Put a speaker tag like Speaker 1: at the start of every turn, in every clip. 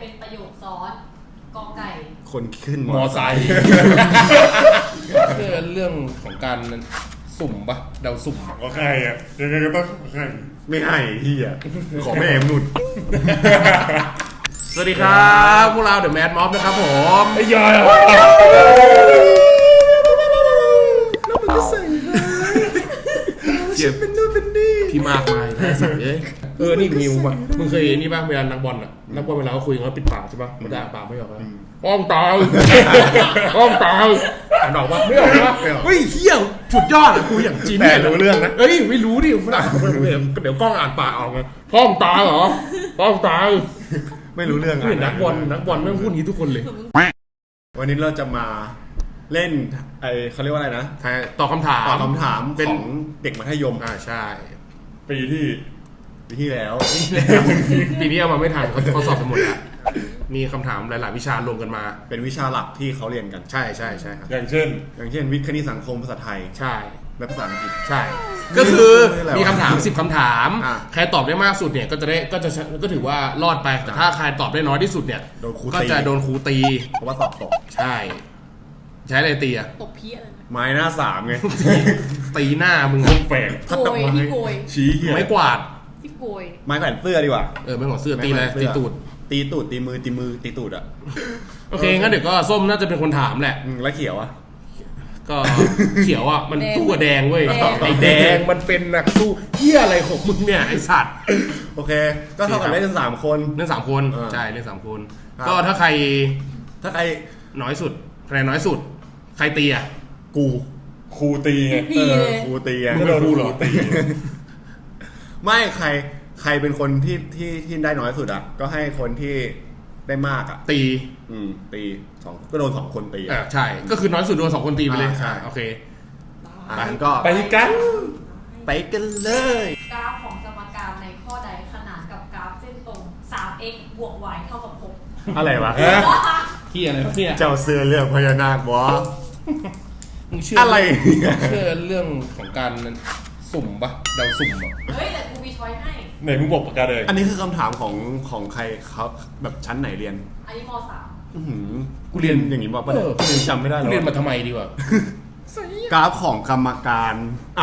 Speaker 1: เป็นประโยคซ้อนกอไก่
Speaker 2: คนขึ้น
Speaker 3: มอไซค์เรื่องของการสุ่มปะเดาสุ่ม
Speaker 4: ก็ใครอ่ะยังไงก็ต้องใคร
Speaker 2: ไม่ให้ที่อ่ะขอแม่เอ็มนุ่น
Speaker 3: สวัสดีครับพวกเราเดอะแมดม็อบนะครับผม
Speaker 4: ไอ้ยอย
Speaker 2: แล้วมันก็ใส่เจ็บเป็นนู่นเป็นนี่
Speaker 3: พี่มากมายนะสัตว์นี่มิวป่ะมึงเคยนี่ป่ะเวลานักบอลอ่ะนักบอลเวลาเขาคุยเขาปิดปากใช่ป่ะมันจะปากไม่ออกนะป้องตายป้องตายอ่านออกป่ะไม่ออกนะเฮ้ยเฮี้ยสุดยอดอะคุยอย่างจีน
Speaker 2: แต่รู้เรื่องนะ
Speaker 3: เอ้ยไม่รู้ดิฝรั่งเดี๋ยวกล้องอ่านปากออกไงป้องตายเหรอป้องตาย
Speaker 2: ไม่รู้เรื่อง
Speaker 3: นักบอลไม่พูดอย่างนี้ทุกคนเลย
Speaker 2: วันนี้เราจะมาเล่นเขาเรียกว่าอะไรนะ
Speaker 3: ตอบคำถาม
Speaker 2: ของเด็กมัธยม
Speaker 3: ใช่
Speaker 2: ปีที่แล้ว
Speaker 3: ปีนี้เอามาไม่ทันเขาสอบสมุดแล้วมีคำถามหลายๆวิชารวมกันมา
Speaker 2: เป็นวิชาหลักที่เขาเรียนกัน
Speaker 3: ใช่ครับ
Speaker 2: อย่างเช่นวิทย์คณิตสังคมภาษาไทย
Speaker 3: ใช่
Speaker 2: และภาษาอังกฤษ
Speaker 3: ใช่ก็คือมีคำถาม10คำถามใครตอบได้มากสุดเนี่ยก็ถือว่ารอดไปแต่ถ้าใครตอบได้น้อยที่สุดเนี่ยก็จะโดนครูตี
Speaker 2: เพราะว่าสอบตก
Speaker 3: ใช่อะไรตีอะ
Speaker 1: ตบเพี้ย
Speaker 2: ไม้หน้า3ไง
Speaker 3: ตีหน้ามึง
Speaker 2: แฝง
Speaker 1: พัดดอกไม้
Speaker 2: ชี้เหี้ย
Speaker 3: ไม้กวาด
Speaker 1: ที่โกย
Speaker 2: ไม้แขวนเสื้อดีกว่า
Speaker 3: ไม่ของเสื้อตีเลยตีตูด
Speaker 2: ตีมือตีตูดอ่ะ
Speaker 3: โอเคงั้นเดี๋ยวก็ส้มน่าจะเป็นคนถามแหละ
Speaker 2: แล้วเขียวอ่ะ
Speaker 3: ก็เขียวอ่ะมันสู้กับแดงเว้ยไอ้แดงมันเป็นนักสู้เหี้ยอะไรของมึงเนี่ยไอ้สัตว์
Speaker 2: โอเคก็เท่ากับเล่น3คน
Speaker 3: ใช่เล่น3คนก็ถ้าใครน้อยสุดคะแนนน้อยสุดใครตีอ่ะ
Speaker 2: ครูตีไงครูตีไง
Speaker 3: ไม่โดนครูหรอตี
Speaker 2: ไม่ใครเป็นคนที่ได้น้อยสุดอ่ะก็ให้คนที่ได้มากอ่ะ
Speaker 3: ตี
Speaker 2: 2ก็โดน2คนตี
Speaker 3: ใช่ก็คือน้อยสุดโดน2คนตีไปเลยโอเค
Speaker 2: ก็
Speaker 3: ไปกัน
Speaker 2: เลย
Speaker 1: กราฟของสมการในข้อใดขนานกับกราฟเส้นตรง 3x บวก y เท่ากับ6
Speaker 2: อะไรวะ
Speaker 3: ที่อะไรเนี่ย
Speaker 2: เจ้าเสื้อเรื่องพญานาควะ
Speaker 3: มึงเชื่อ
Speaker 2: อะไร
Speaker 3: เชื่อเรื่องของการสุ่มปะเดาสุ่มปะ
Speaker 1: เฮ้ยแต่กูมีช้อยให้
Speaker 4: ไหนมึงบอกประกาศเลย
Speaker 2: อันนี้คือคำถามของใครเขาแบบชั้นไหนเรียน
Speaker 1: อันนี้ม.3
Speaker 2: กูเรียนอย่างนี้ป่ะกูเรียนจำไม่ได้
Speaker 3: แล้วเรียนมาทำไมดีวะ
Speaker 2: กราฟของกรรมการ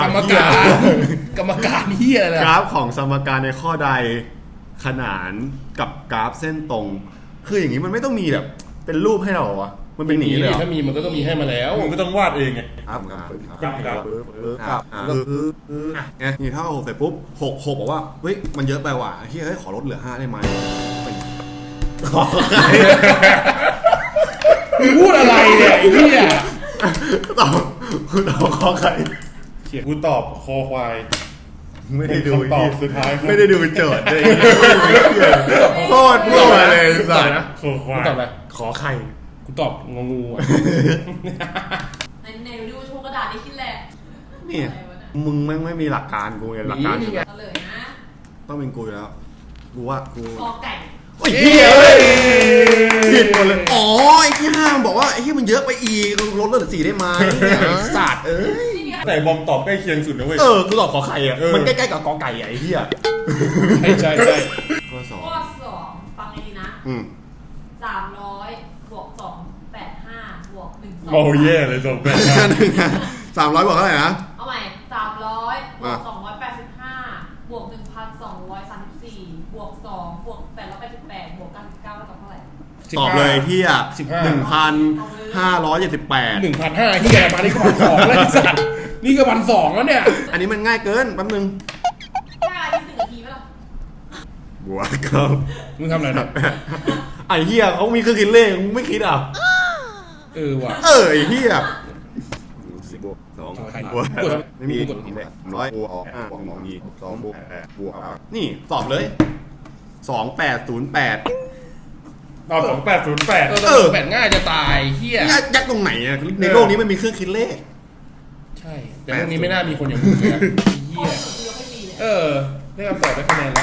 Speaker 3: เฮียอะไร
Speaker 2: กราฟของสมการในข้อใดขนานกับกราฟเส้นตรงคืออย่างนี้มันไม่ต้องมีแบบเป็นรูปให้เราอะมันเป็นหนีเลย
Speaker 3: ถ้ามีมันก็ต้องมีให้มาแล้ว
Speaker 4: มึงก็ต้องวาดเองไง
Speaker 2: นี่ถ้า6เสร็จปุ๊บ6บอกว่าเฮ้ยมันเยอะไปว่ะเฮ้ยขอลดเหลือ5ได้ไหม
Speaker 3: พูดอะไรเนี่ยไอ้เนี่ย
Speaker 2: ตอบขอใคร
Speaker 4: กูตอบคอควาย
Speaker 2: ไม่ได้ดู
Speaker 4: ตอบสุดท้าย
Speaker 2: ไม่ได้ดูโจทย์เลยโคตรมั่วเลยสัตว์นะ
Speaker 4: คอควาย
Speaker 3: ตอบอะไร
Speaker 2: ขอใคร
Speaker 3: กูตอบงองู
Speaker 1: ในดูโชว์กระดาษนี่คิดแหละ
Speaker 2: นี่มึงไม่มีหลักการกูไงหลักการ
Speaker 1: เลยนะ
Speaker 2: ต้องเป็นกูอยู่แล้วกูว่ากู
Speaker 1: กอไก่
Speaker 2: โอ้ยผิดหมดเลยอ๋อไอ้ที่ห้ามบอกว่าไอ้ที่มันเยอะไปอีกลดเหลือ4ได้ไหมศาสตร์
Speaker 4: แต่บอมตอบใกล้เคียงสุดนะเว้ย
Speaker 2: กูตอบขอไข่อ่ะมันใกล้ๆกับกอไก่ไอ้เหี้ย
Speaker 3: ใช่
Speaker 2: ข้อ
Speaker 1: 2ฟังให้ดีนะ300บวก285บวก1
Speaker 4: โอ้เย่เลย
Speaker 2: 300บวกเท่าไหร่นะ
Speaker 1: เอาใหม่300บวก285บวก1,234บวก2บวก888บวก99เท่าไหร่
Speaker 2: ตอบเลยเฮีย1,578
Speaker 3: 1,500เฮียมานี่ก็1,200แล้วไอ้สัตว์นี่ก็1,200แล้วเนี่ย
Speaker 2: อันนี้มันง่ายเกินแป๊บนึง
Speaker 1: ง่ายที่1 นาทีไหมล่ะ
Speaker 2: บวกครับ
Speaker 3: มึงทำอะไรนะ
Speaker 2: ไอ้เฮียเขามีเครื่องคิดเลขมึงไม่คิดอ่ะ
Speaker 3: ว่ะ
Speaker 2: ไอ้เฮียบวก2บวกไม่มี100บวก2มี2บวกนี่ตอบเลย2808
Speaker 4: ตอบ2808
Speaker 3: 8ง่ายจะตายเฮีย
Speaker 2: ยักตรงไหนอ่ะในโลกนี้มันมีเครื่องคิดเลข
Speaker 3: ใช่แต่โลกนี้ไม่น่ามีคนอย่างมึงเลยเฮียได้คำตอบได้คะแนนแล้ว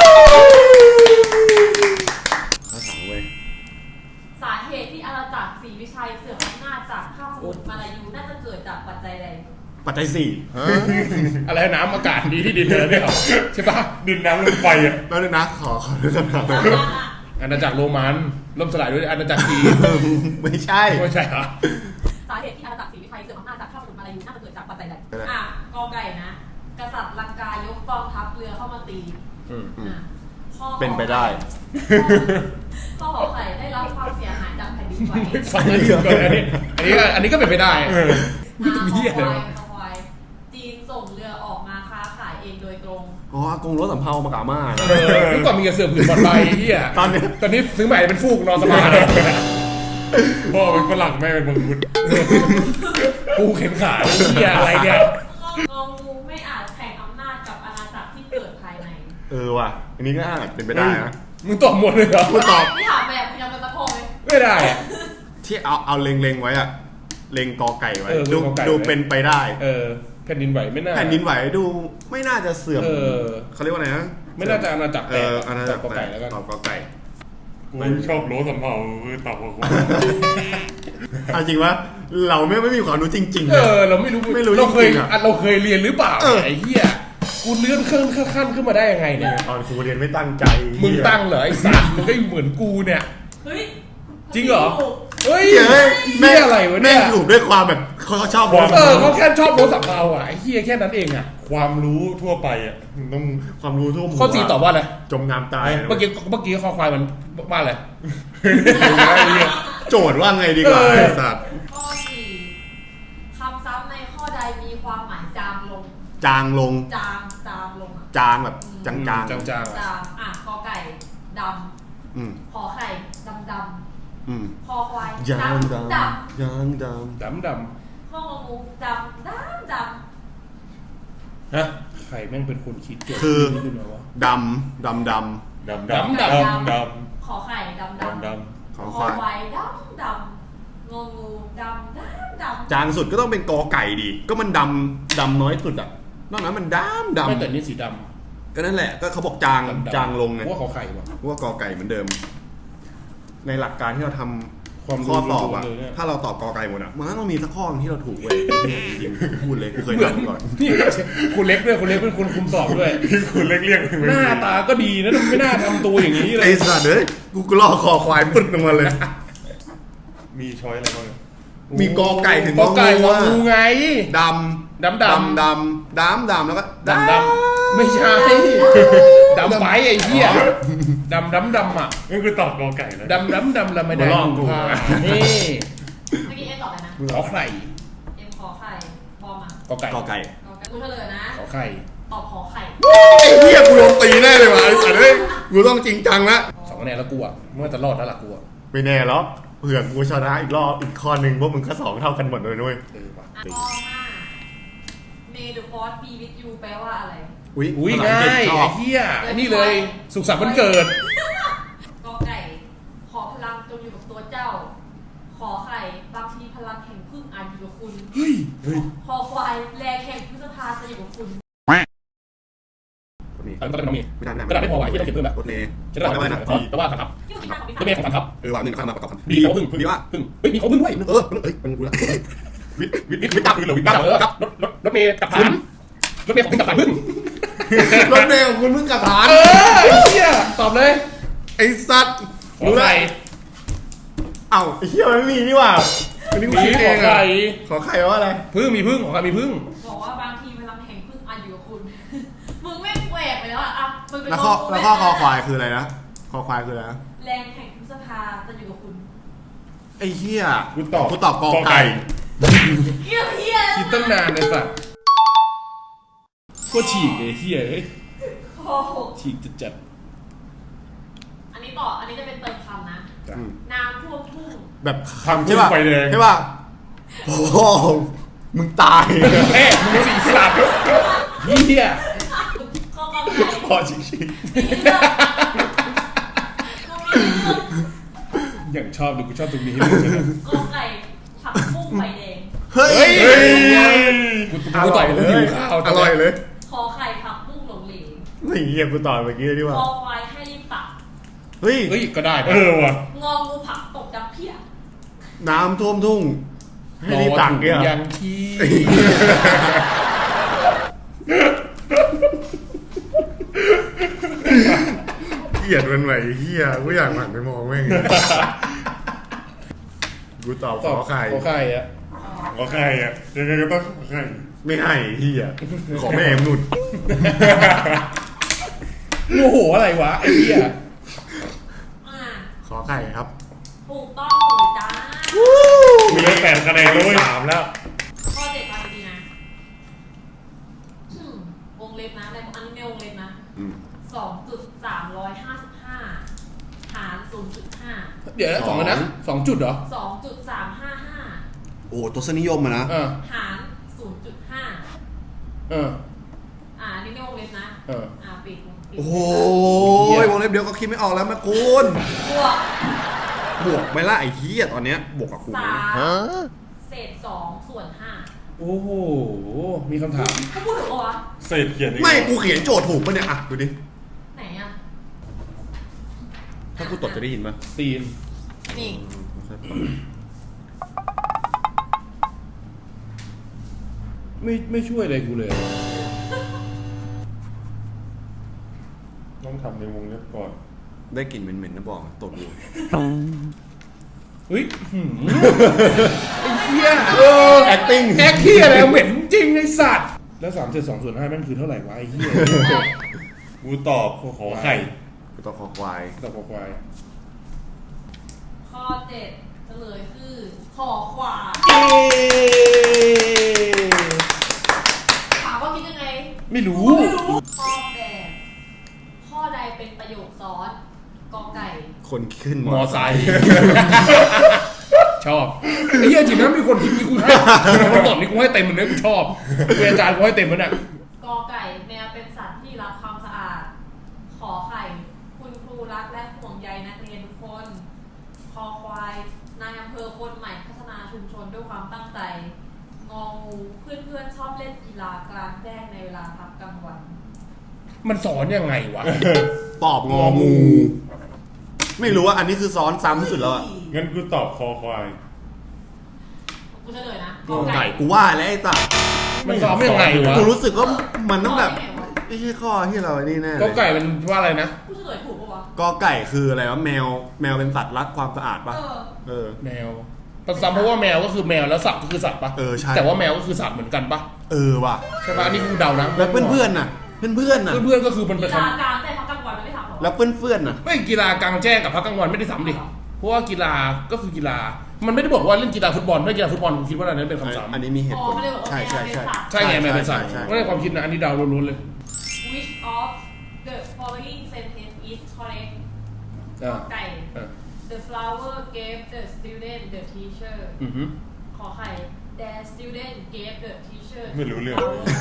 Speaker 2: เขาถามเว้ย
Speaker 1: สาเหตุที่อาณาจักรศรีวิชัยเสื่อมอำนาจจากข้ามสมุทรมาลายูน่าจะเกิดจากปัจจัยใด
Speaker 2: ปัจจัย4
Speaker 3: อะไรน้ำอากาศดีที่ดินเลยเนี่ยใช่ปะ
Speaker 4: ดินน้ำลมไฟอ่ะ
Speaker 2: แล้วนะขอเรื่องคำถาม
Speaker 3: อาณาจักรโรมันล่มสลายด้วยอาณาจักรจีน
Speaker 2: ไม่ใช่
Speaker 3: ไม่ใช่เหรอ
Speaker 1: สาเหตุที่อาณาจักรศรีวิชัยเสื่อมอำนาจจากข้าพเจ้ามาลายูน่าจะเกิดจากปัจจัยใดอ่ะกอไก่นะกษัตริย์ลังกายกกองทัพเรือเข้ามาตี อ่ะข้อ
Speaker 2: เป็นไปได้
Speaker 1: ข้อขอไข่ได้รับความเสียหายจากแผ่นดินไหว
Speaker 3: ไม่ฟังเลยก่อนอันนี้ก็เป็นไปได้
Speaker 1: คอควายจีนส่งเรือออกมาค้าขายเองโดยตรง
Speaker 2: อ๋ออากงรถสำเภามากาม่านะ
Speaker 3: เมื่อก่อนมีกระเสือผืนบอลใบเฮียตอนนี้ซื้อใหม่เป็นฟูกนอนสบาย
Speaker 4: พ่อเป็นฝรั่งแม่เป็นมังคุด
Speaker 3: กูเข็นขาเฮียอะไรเนี่ย
Speaker 1: งองูไม่อาจแข่งอำนาจกับอาณาจักรที่เกิดภายใน
Speaker 2: ว่ะอันนี้ก็อาจเป็นไปได้นะ
Speaker 3: มึงตอบหมดเลยเหรอ
Speaker 2: กูตอบ
Speaker 1: ที่ถามแบบยังเป็นตะโพย
Speaker 3: ไม่ได้อะ
Speaker 2: ที่เอาเล็งไว้อะเล็งกอไก่ไว้
Speaker 3: เล็งกอไก่ไว้
Speaker 2: ดูเป็นไปได้
Speaker 3: แผ่นดินไหวไม่น่า
Speaker 2: แผ่นดินไหวดูไม่น่าจะเสื่อม เขาเรียกว่าไงนะ
Speaker 3: ไม่น่าจะอาณาจักรแตก
Speaker 2: อาณาจักร
Speaker 3: ตอบกอไก่แล้วกัน
Speaker 2: ตอบกอไก่
Speaker 4: กูชอบโลสำเภาตอบกับกู
Speaker 2: เอาจริงว่าเราไม่มีความรู้จริงๆนะ
Speaker 3: เราไม่รู้
Speaker 2: ไม่รู้
Speaker 3: เราเคย
Speaker 2: จริงๆอะ
Speaker 3: เราเคยเรียนหรือเปล่าไอ้เหี้ยกูเลื่อนขั้นขึ้นมาได้ยังไงเนี่ย
Speaker 2: ตอนครูเรียนไม่ตั้งใจ
Speaker 3: มึงตั้งเหรอไอ้สัตว์มึงก็เหมือนกูเนี่ย
Speaker 1: เฮ้ย
Speaker 3: จริงเหรอ เฮ้ย
Speaker 2: เฮ้ย
Speaker 3: เหี้ยอะไรวะเนี่ย
Speaker 2: แม่งถูกด้วยความแบบเขาชอบ
Speaker 3: เขาแค่ชอบรถสับเราอ่ะไอ้เหี้ยแค่นั้นเองอ่ะ
Speaker 4: ความรู้ทั่วไปอ่ะ
Speaker 2: ต้องความรู้ทั่วหมู่
Speaker 3: ข้อ4ตอบว่าอะไร
Speaker 2: จมน้ำตาย
Speaker 3: เมื่อกี้ข้อควายมันว่าอะไร
Speaker 2: โจทย์ว่าไงดีกว่าไอ้สัตว์
Speaker 1: ข้อ4คำซ้ำในข้อใดมีความหมายจางลง
Speaker 2: จางลง
Speaker 1: จางลงอ่ะ
Speaker 2: จางแบบจาง
Speaker 3: จาง
Speaker 1: จางอ่ะกอไก่ด
Speaker 2: อืม
Speaker 1: ำขอไข่ดำ
Speaker 2: อืม
Speaker 1: คอควาย
Speaker 2: ยาง
Speaker 1: ดำ
Speaker 2: ดำยางด
Speaker 3: ดำ
Speaker 1: ข้ององูดำ
Speaker 3: ฮะใครแม่งเป็นคนคิดเกี่ยวกับนี่ด้วยวะ
Speaker 2: ำดำ
Speaker 4: ดำ
Speaker 3: ดำ
Speaker 4: ด
Speaker 1: ขอไข่ดำ
Speaker 4: ำดำ
Speaker 2: ขอ
Speaker 1: ค
Speaker 2: ค
Speaker 1: อ
Speaker 2: วาย
Speaker 1: ควายดำงองูดำ
Speaker 2: จางสุดก็ต้องเป็นกอไก่ดิก็มันดำน้อยสุดอ่ะนอกนั้นมันดำ
Speaker 3: ไม่แต่นี่สีด
Speaker 2: ก็นั่นแหละก็เขาบอกจาง
Speaker 3: ำ
Speaker 2: จางลงไง
Speaker 3: ว่าเขาไข่วะ
Speaker 2: ว่ากอไก่เหมือนเดิม ในหลักการที่เราทำ
Speaker 3: ความรู้
Speaker 2: ข้อสอบอ่ะ
Speaker 3: เลยเนี่ย
Speaker 2: ถ้าเราตอบกอไก่หมดอ่ะมันต้องมีสักข้อที่เราถูกเว้ยจริงๆพูดเลยกูเคยทำก่อน
Speaker 3: นี่คุณเล็กด้วยคุณเล็กเป็นคนคุมสอบด้วย
Speaker 4: พี่คุณเรียก
Speaker 3: หน้าตาก็ดีนะไม่น่าทำตัวอย่างนี้เล
Speaker 2: ไอ้
Speaker 3: ย
Speaker 2: สัตว์เอ้ยกูก็ลอกคอควายปึ๊ดลงมาเลย
Speaker 4: มีช้อยอะไรบ้าง
Speaker 2: มีกอไก่ถึง
Speaker 3: กอไก่งองูไง
Speaker 2: ด
Speaker 3: ดำ
Speaker 2: ำดำแล้วก็
Speaker 3: ดำไม่ใช่ดำไปไอ้เหี้ยดำอ่ะ
Speaker 4: นั่นคือตอบกอไก่แล้ว
Speaker 3: ดำแล้วไม่ได้ดูผ้านี่
Speaker 1: เมื่อกี้เอ็มตอบอะไรนะ
Speaker 3: ขอไข่
Speaker 1: เอ็มขอไข่บอมอ่ะ
Speaker 3: กอไก่
Speaker 2: กอไก่
Speaker 1: กูเฉลยนะ
Speaker 3: ขอไข่
Speaker 1: ตอบขอไข่
Speaker 2: ไอ้เหี้ยกูโดนตีแน่เลยว่ะไอ้สัตว์เอ้ยกูต้องจริงจังละ
Speaker 3: 2 คะแนนแล้วกูอ่ะเมื่อจะรอดแล้วล่ะกูอ่ะ
Speaker 2: ไม่แน่หรอกเผื่อกูชนะอีกรอบอีกข้อหนึ่งพวกมึงก็2เท่ากันหมดเลยด้วย
Speaker 3: ว่ะ
Speaker 1: ข้อ5 May the force be with you แปลว่าอะไร
Speaker 3: อุ้ย
Speaker 2: ภษ
Speaker 3: ง่า
Speaker 2: อังกฤษ
Speaker 3: ย
Speaker 2: ชอ
Speaker 3: ไอ้
Speaker 2: บ
Speaker 3: เหี้ยไอ้นี่เลยสุขสันต์วันเกิด
Speaker 1: กอไก่ ขอพลังจงอยู่กับตัวเจ้า ขอไข่บางทีพลังแห่งพึ่งอาจอยู่กับคุณ
Speaker 3: เฮ้ย
Speaker 1: คอควายแรงแห่งพฤษภาจะอยู่กับคุณ
Speaker 3: อันนี้ก็เป็นน้องเมย์
Speaker 2: ไม่ได้
Speaker 3: กระดาษไม่พอไหวที่ต้องเขียนเพิ่มแบบ
Speaker 2: รถเมย์
Speaker 3: จะได้
Speaker 2: ได้ไหมนะ
Speaker 3: แต่ว่าครับ
Speaker 1: ที่คุณทำ
Speaker 3: รถเมย์ของครับ
Speaker 2: ว่าหนึ่งข้ามมาประกอบกัน
Speaker 3: ดีเขาพึ่ง
Speaker 2: ดีว่า
Speaker 3: พึ่งเฮ้ยมีเขาพึ่งด้วย
Speaker 2: เป็นกูละวิทย์ตับ
Speaker 3: หรือกับรถเมย์กับฐานรถเมย์ของพึ่งกับฐานพึ่ง
Speaker 2: รถเมย์ของคุณเพิ่งกระถาน
Speaker 3: ไอ้เหี้ยตอบเลย
Speaker 2: ไอ้สัตว์
Speaker 3: ขอไข่
Speaker 2: เอ้าไอ้เหี้ยมันไม่มีนี่หว่าอันนี้กูคิดเองอะขอไข่ว่าอะไร
Speaker 3: พึ่งมีพึ่งของใครมีพึ่ง
Speaker 1: บอกว่าบางทีพลังแห่งพึ่งอาจอยู่กับคุณ มึงไม่แหวกไปแล้วอ่ะมึงเป็น
Speaker 2: แล้วข้อคอควายคืออะไรนะคอควายคืออะไรนะ
Speaker 1: แรงแห่งพฤษภาจะอยู่กับคุณ
Speaker 2: ไอ้เหี้ย
Speaker 4: กูตอบ
Speaker 2: กูตอบกอไก่
Speaker 1: เฮียเฮีย
Speaker 3: คิดตั้งนานเลยสัตว์ก็ฉีกเลยเหี้ย
Speaker 1: ข้อ6
Speaker 3: ฉีกจัด
Speaker 1: อันนี้ต่อ อันนี้จะเป็นเติมคำนะ น้ำท่วมทุ่ง
Speaker 2: แบบคำใช่ป่ะ
Speaker 4: ไฟแดง
Speaker 2: ใช่ป่ะโอ้โหมึงตาย
Speaker 3: แม่มึงสีสัตว์เหี้ย
Speaker 1: ข้อกอไก่
Speaker 2: พอชิค
Speaker 3: อย่างชอบดูกูชอบตรงนี้
Speaker 1: กอไก่ผักบุ้งไฟแดง
Speaker 2: เฮ้ย
Speaker 3: กูตอบกูหิวข้าว
Speaker 2: อร่อยเลย
Speaker 1: คอไข่ผักบุ้งหลงเหลว
Speaker 2: ไม่เหี้ยกูตอบเมื่อกี้ดีกว่า
Speaker 1: คอควายให้รีบตัก
Speaker 2: เฮ้ย
Speaker 3: เฮ้ยก็ได้
Speaker 4: เออว่ะ
Speaker 1: งองูผักตกดับเพี้ย
Speaker 2: น้ำท่วมทุ่งให้รีบตักเนี่ย
Speaker 3: ยังที่
Speaker 2: เกลียดมันไหวเฮียกูอยากหันไปมองแม่งกูตอบขอไข่
Speaker 3: ขอไข่อะ
Speaker 4: ขอไข่อะยังไงก็ต้องขอไข่
Speaker 2: ไม่ให้เฮียขอแม่มนุษย์
Speaker 3: โอ้โหอะไรวะไอ้เหี้ย
Speaker 1: อ่า
Speaker 2: ขอไข่ครับ
Speaker 1: ถูกต้องเลยจ้า
Speaker 4: มีได้8 คะแนนแล้วเว้ย
Speaker 2: 3แล้ว
Speaker 1: ข้อเจ็ดฟังดีๆนะวงเล็บนะในอันนี้ในวงเล็บนะ 2.355 หาร 0.5
Speaker 3: เดี๋ยวนะ2นะ2จุดเหรอ
Speaker 1: 2.355
Speaker 2: โอ้ตัวสนิยมอะนะ
Speaker 1: หาร 0.5
Speaker 3: อั
Speaker 1: นนี้ในวงเล็บนะปิด
Speaker 2: โอ้โหวงเล็บเดียวก็คิดไม่ออกแล้วแม่คุณ
Speaker 1: บวก
Speaker 2: ไม่ละไอ้เฮียตอนเนี้ยบวกกับคุณ
Speaker 1: 3 เศษ 2 ส่วน 5
Speaker 3: โอ้โหมีคำถาม
Speaker 1: เขาพูดถึงวะ
Speaker 4: เศษเขียนยังง
Speaker 2: ไม่กูเขียนโจทย์ถูกปะเนี่ยอ่ะดูดิ
Speaker 1: ไหนอ่ะ
Speaker 2: ถ้ากูตดจะได้ยินปะ
Speaker 3: ตีน
Speaker 1: นี่
Speaker 3: ไม่ช่วยอะไรกูเลย
Speaker 4: ต้องทำในวงเล็บก่อน
Speaker 2: ได้กลิ่นเหม็นๆนะบอกตดดู
Speaker 3: เฮ้ยไอ้เหี้ย
Speaker 2: acting
Speaker 3: แอคที่อะไรเหม็นจริงไอ้สัตว์แล้ว3 7 2 5นั่นคือเท่าไหร่วะไอ้เหี้ย
Speaker 4: กูตอบขอไข่
Speaker 2: กูต้องขอควาย
Speaker 3: ตอบควาย
Speaker 1: ข้อ 7 เฉลยคือขอขวาถามว่าคิดยังไง
Speaker 3: ไม่รู้
Speaker 1: ข้อ 8 ข้อใดเป็นประโยคซ้อนกอไก่
Speaker 2: คนขึ้น
Speaker 3: มอไซค์ชอบไอ้เหี้ยจริงนะมีคนคิดมีกูให้คนตอบนี่กูให้เต็มมันเลยกูชอบกูอาจารย์กูให้เต็มมันอ่ะ
Speaker 1: กอไก่แมวเป็นสัตว์ที่รักความสะอาด ขอไข่คุณครูรักและห่วงใยนักเรียนทุกคนคอควายนายอำเภอคนใหม่พัฒนาชุมชนด้วยความตั้งใจงองูเพื่อนๆชอบเล่นกีฬากลางแจ้งในเวลาพักกลางวัน
Speaker 3: มันสอนยังไงวะ
Speaker 2: ตอบงองู ไม่รู้ว่าอันนี้คือซ้อนซ้ำที่สุดแล้วอะ
Speaker 4: งั้นกูตอบคอควาย
Speaker 1: กูเฉลยนะ
Speaker 2: กอไก่กูว่าแล้วไอ้สัส
Speaker 3: มันสอนยังไงวะ
Speaker 2: กูรู้สึกว่ามันต้องแบบไม่ใช่ข้อที่เราไอ้นี่แน่เลย
Speaker 3: ก็ไก่มันว่าอะไรนะ
Speaker 1: กูเฉลยถูกปะวะ
Speaker 2: กอไก่คืออะไรวะแมวเป็นสัตว์รักความสะอาดปะเออ
Speaker 3: แมวซ้ำเพราะว่าแมวก็คือแมวแล้วสัตว์ก็คือสัตว์ปะ
Speaker 2: เออใช่
Speaker 3: แต่ว่าแมวก็คือสัตว์เหมือนกันปะ
Speaker 2: เออว่ะ
Speaker 3: ใช่ปะอันนี้กูเดานะ
Speaker 2: แล้วเพื่อนๆน่ะเพื่อนๆน่ะ
Speaker 3: เพื่อนๆก็คือมันเป็น
Speaker 1: กีฬา
Speaker 3: คำ
Speaker 1: กลางแจ้งพักกลางวันไม่ได้ถามหรอ
Speaker 2: แล้วเพื่อนๆน่ะ
Speaker 3: ไม่กีฬากลางแจ้งกับพักกลางวันไม่ได้ซ้ำดิเพราะว่ากีฬาก็คือกีฬามันไม่ได้บอกว่าเล่นกีฬาฟุตบอลถ้ากีฬาฟุตบอลผมคิดว่าอันนั้นเป็นคำซ้ำ
Speaker 2: อันนี้มีเหตุผล
Speaker 1: ไม่ได้บอกว่า
Speaker 2: ใช่ใช่ใช่
Speaker 3: ใช่ไงแมวเป็นสัตว์
Speaker 2: ใช่
Speaker 3: ไม่ได้ความคิดนะอันนี้เดาล้วนๆเลย
Speaker 1: Which of the following sentence is correct ไก่ The flower gave the student the teacher ขอไข่ The student gave the teacher
Speaker 4: ไม่รู้เรื่อง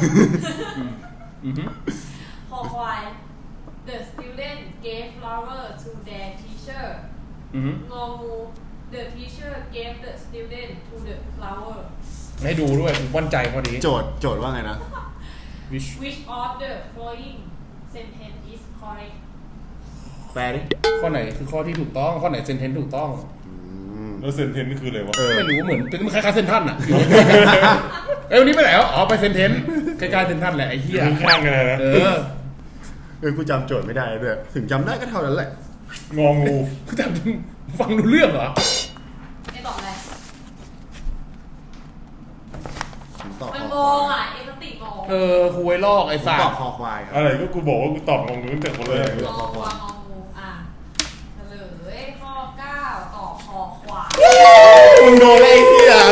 Speaker 1: ขอควาย The student gave flower to their teacher งองู The teacher gave the student to the flower
Speaker 3: ให้ดูด้วยผมมั่นใจพอดี
Speaker 2: โจทย์ว่าไงนะ
Speaker 1: Which of the following sentence is correct
Speaker 2: แปลดิ
Speaker 3: ข้อไหนคือข้อที่ถูกต้องข้อไหนเซนเทนถูกต้อง
Speaker 4: แล้วเซนเทนนี่คืออะไรวะ
Speaker 3: ไม่รู้เหมือนเป็นคล้ายๆเซนทันอ่ะวันนี้ไปไหนอ๋อไปเซนเทนใกล้ๆเซนทันแหละไอ้เหี้ย
Speaker 4: ข้างกันเลยนะ
Speaker 2: กูจำโจทย์ไม่ได้ด้วยถึงจำได้ก็เท่านั้นแหละ
Speaker 4: งองู
Speaker 3: แต่ฟังดูเรื่องเหรอ
Speaker 1: ไอ้ตอบอะไร
Speaker 2: ผมตอบ
Speaker 1: มัน
Speaker 2: ค
Speaker 1: ง
Speaker 2: อง ควา
Speaker 1: อ่ะ
Speaker 2: ย
Speaker 1: เอสติงง
Speaker 3: คุยลอกไอ้
Speaker 2: ผม
Speaker 3: สัต
Speaker 2: ตอบ
Speaker 3: ว์
Speaker 2: คอควายครับ
Speaker 4: อะไรก็กูบอกว่ากูตอบงองูตั้งแต่คนแรก
Speaker 1: งองูเฉลยข้อ 9 ตอบคอควาย
Speaker 2: มึงโดนอะไรเหี้ย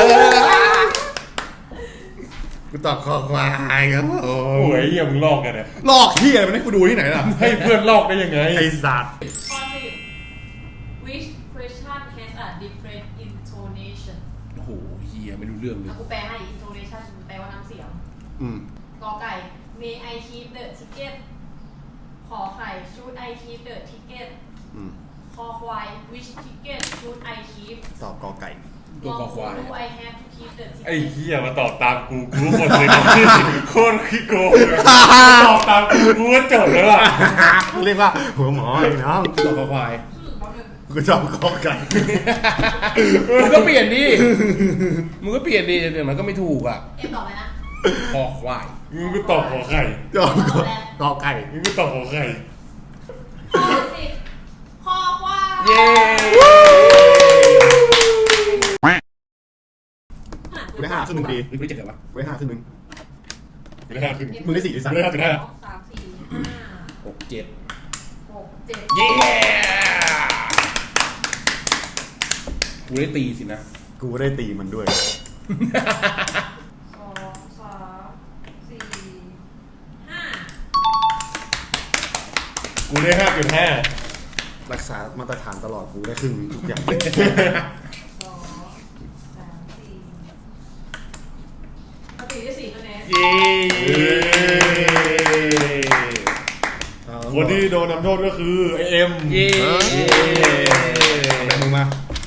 Speaker 2: กูตอบคอควายครับโอ้
Speaker 4: โอ้ยเหี้ยมึงลอกกันเนี่ย
Speaker 2: ลอกเหี้ยมันให้กูดูที่ไหนล่ะ
Speaker 4: ให้เพื่อนลอกได้ยังไง
Speaker 2: ไอ้สัตว์
Speaker 1: ข้อ 10 Which question has a different intonation
Speaker 3: โอ้โหเหี้ยไม่รู้เรื่องเลย
Speaker 1: กูแปลให้ intonation แปลว่าน้ำเสียง กอไก่ May I keep the ticket ขอไข่ Should I keep the ticket คอควาย Which ticket should I keep
Speaker 2: ตอบกอไก่
Speaker 3: ตัวคอควาย
Speaker 1: Do I have to keep the ticket
Speaker 4: ไอ้เหี้ยมาตอบตามกูหมดเลยโคตรขี้โกงตอบตามกูก็จบแล้วล่ะ
Speaker 2: เรียกว่าหัวหมอไอ้น้อง
Speaker 3: ตัวคอควาย
Speaker 2: กูตอบกอไก่
Speaker 3: มึงก็เปลี่ยนดิมึงก็เปลี่ยนดิเดี๋ยวมันก็ไม่ถูกอ่ะ
Speaker 1: เอ็มตอบอะไรนะ
Speaker 3: คอควาย
Speaker 4: มึงก็ตอบขอไข่
Speaker 2: ตอบกอไก่
Speaker 4: มึงก็ตอบขอไข่
Speaker 1: ข้อ10
Speaker 3: เย้
Speaker 2: กูได้5 ครึ่งหนึ่งดี
Speaker 3: มึงไม่เจ็บกันปะ
Speaker 2: กูได้5 ครึ่งหนึ่ง
Speaker 4: ไม่ได้5 ครึ่ง
Speaker 2: มึงได้4 หรือ
Speaker 4: ไม่ได้
Speaker 2: 3
Speaker 4: 5.5
Speaker 1: สามสี่ห้า
Speaker 3: 6 7
Speaker 1: 6 7
Speaker 3: เย้กูได้ตีสินะ
Speaker 2: กูได้ตีมันด้วย
Speaker 1: 2 3 4 5
Speaker 4: กูได้5.5
Speaker 2: รักษามาตรฐานตลอดกูได้ครึ่งทุกอย่าง
Speaker 1: 2 3 4ปกติได้4คะแนน
Speaker 3: เย้
Speaker 4: คนที่โดนนำโทษก็คือไอเอ็ม
Speaker 3: เย้
Speaker 2: เอาไปมึงมา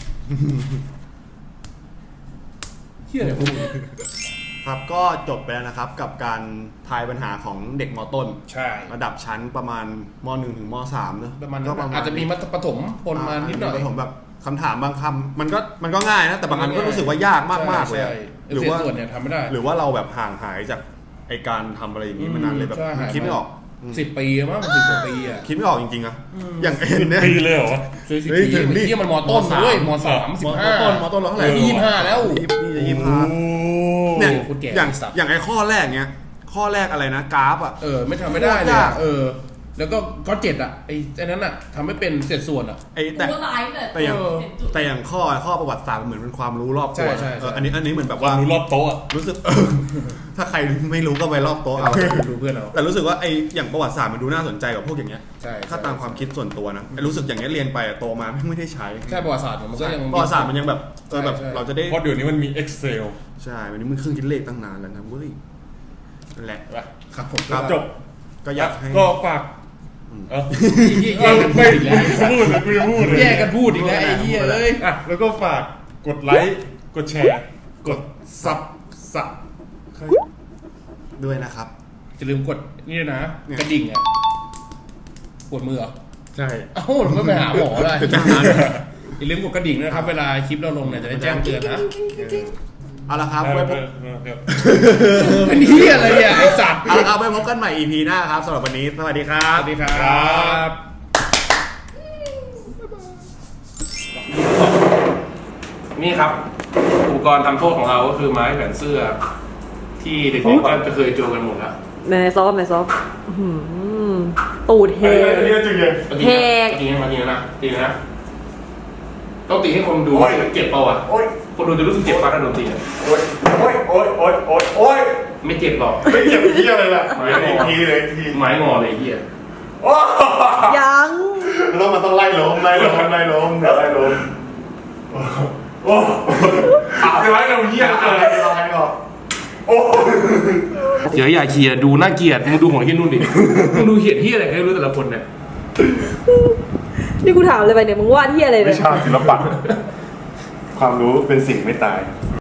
Speaker 3: เฮียอะไรพวกมึง
Speaker 2: ครับก็จบไปแล้วนะครับกับการทายปัญหาของเด็กมต้น
Speaker 3: ใช่
Speaker 2: ระดับชั้นประมาณม1 ถึงม3เนอะ
Speaker 3: ประมาณ
Speaker 2: ก็
Speaker 3: นั้นอาจจะมีมัธยมประถมปนมานิดหน่อย
Speaker 2: ประถมแบบคำถามบางคำมันก็ง่ายนะแต่บางอันก็รู้สึกว่ายากมากๆเลยอะ
Speaker 3: ใช่
Speaker 2: หรือว่า
Speaker 3: เศษส่วนเนี่ยทำไม่ได้
Speaker 2: หรือว่าเราแบบห่างหายจากไอการทำอะไรอย่างนี้มานานเลยแบบ
Speaker 3: ใช่หาย
Speaker 2: คิดไม่ออก
Speaker 3: 10 ปีมั้ง10 กว่าปีอ่ะ
Speaker 2: คิดไม่ออกจริงๆอะอย่างเอ็นเนี่ย
Speaker 4: ปีเลยเหรอวะ
Speaker 3: ช่วย10
Speaker 2: เฮ้ย
Speaker 3: ปี
Speaker 2: ถึงดิ
Speaker 3: เฮียมันมต้นด้วยม3 15
Speaker 2: มต้นเราเท่าไหร่
Speaker 3: 25แล้ว
Speaker 2: นี่จะ25เนี่ย
Speaker 3: โคตรแก่
Speaker 2: อย่าง
Speaker 3: สัตว์
Speaker 2: อย่างไอ้ข้อแรกเนี้ยข้อแรกอะไรนะกราฟอะ
Speaker 3: ไม่ทำไม่ได้เลย
Speaker 2: ยา
Speaker 3: อะ
Speaker 2: ก
Speaker 3: แล้วก็ข้อ7อ่ะไอ้นั้นอ่ะทำไม่เป็นเศษส่วนอ่ะ
Speaker 2: ไอ้
Speaker 1: กู
Speaker 2: แต่
Speaker 1: ก็ไลฟ์เลย
Speaker 2: แต่อย่าง
Speaker 1: เห็นจุด
Speaker 2: แต่อย่างข้อประวัติศาสตร์มันเหมือนเป็นความรู้รอบตัว
Speaker 3: ใช่
Speaker 2: อันนี้เหมือนแบบ
Speaker 4: ความ
Speaker 2: ว่า
Speaker 4: รู้รอบโต๊ะอะ
Speaker 2: รู้สึก ถ้าใครไม่รู้ก็ไปรอบโต๊ะเอา
Speaker 3: ดูเพื่อนเรา
Speaker 2: แต่รู้สึกว่าไอ้อย่างประวัติศาสตร์มันดูน่าสนใจกว่าพวกอย่างเงี้ย
Speaker 3: ใช่
Speaker 2: ถ้าตามความคิดส่วนตัวนะไอ้รู้สึกอย่างเงี้ยเรียนไปอะโตมาไม่ได้ใช้
Speaker 3: แค่ประวัติศาสตร์มันก็ยัง
Speaker 2: ประวัติศาสตร์มันยังแบบแบบ
Speaker 3: ใช่
Speaker 2: เราจะได้
Speaker 4: เพราะเดี๋ยวนี้มันมี Excel
Speaker 2: ใช่วันนี้มันเครื่องคิดเลขตั้งนานแล้วนะเว้ยนั่นแหละ
Speaker 3: ครับผม
Speaker 2: ครับ
Speaker 4: จบ
Speaker 2: ก็อยากให้
Speaker 4: ก็ฝาก
Speaker 3: แย่กันพูดอีกแล้ว
Speaker 4: พูดเลยกูจะพูดเลย
Speaker 3: แย่กันพูดอีกแล้วไอ้เหี้ยเอ้ย
Speaker 4: อ่ะแล้วก็ฝากกดไลค์กดแชร์ กดซับ
Speaker 2: ด้วยนะครับ
Speaker 3: จะลืมกดนี่ด้วยนะ
Speaker 2: เนี่ย
Speaker 3: กระดิ่งอ่ะปวดมือเหรอ
Speaker 2: ใช่
Speaker 3: เอ้าเราไม่ไปหาหมอเลย
Speaker 2: จะหา
Speaker 3: อย่าลืมกดกระดิ่งนะครับ เวลาคลิปเราลงเนี่ยจะได้แจ้งเตือนนะ
Speaker 2: เอาละครับไว้พบ
Speaker 3: เป็นเหี้ยอะไรเนี่ยไอ้สัตว์
Speaker 2: เอาละครับไว้พบกันใหม่ EP หน้าครับสำหรับวันนี้สวัสดีครั
Speaker 3: ส
Speaker 2: บ
Speaker 3: วัสดีครับ นี่ครับ อุปกรณ์ทำโทษของเราก็คือไม้แขวนเสื้อ ที่เด็กๆก็จะเคยเจอกันหมดแล้ว
Speaker 5: ไหนซอฟไหนซอฟอื้อหือตูดเฮ
Speaker 4: อันนี้จริงเลย
Speaker 5: แหก
Speaker 3: ตีนะมาตีนะตีนะต้องตีให้คนดูเจ็บเปล่าอ่ะ
Speaker 4: โอ๊ย
Speaker 3: คนดูจะรู้สึกเจ็บปะถ้าโดนตีอะ
Speaker 4: โอ๊ยโอ๊ยโอ๊ยโอ๊ยโอ๊ยโอ๊ย
Speaker 3: ไม่เจ็บหรอก
Speaker 4: ไม่เจ็บเหี้ยอะไรล่ะอีกทีเลยที
Speaker 3: ไม้งอเลยไอ้เหี้ย
Speaker 4: โอ้
Speaker 5: ยัง
Speaker 4: แล้วมันต้องไล่ลมโอ้จะไล่ลมเหี้ยอะไรเราให้ก่อนโอ้
Speaker 3: เดี๋ยวอย่าเคลียร์ดูน่าเกลียดมึงดูของเฮียนุ่นดิมึงดูเขียนที่อะไรก็ไม่รู้แต่ละคนเนี่ย
Speaker 5: นี่กูถามเลยไปเนี่ยมึงวาดที่อะไรเนี่
Speaker 4: วิ
Speaker 5: ย
Speaker 4: ชาศิลปะความรู้เป็นสิ่งไม่ตาย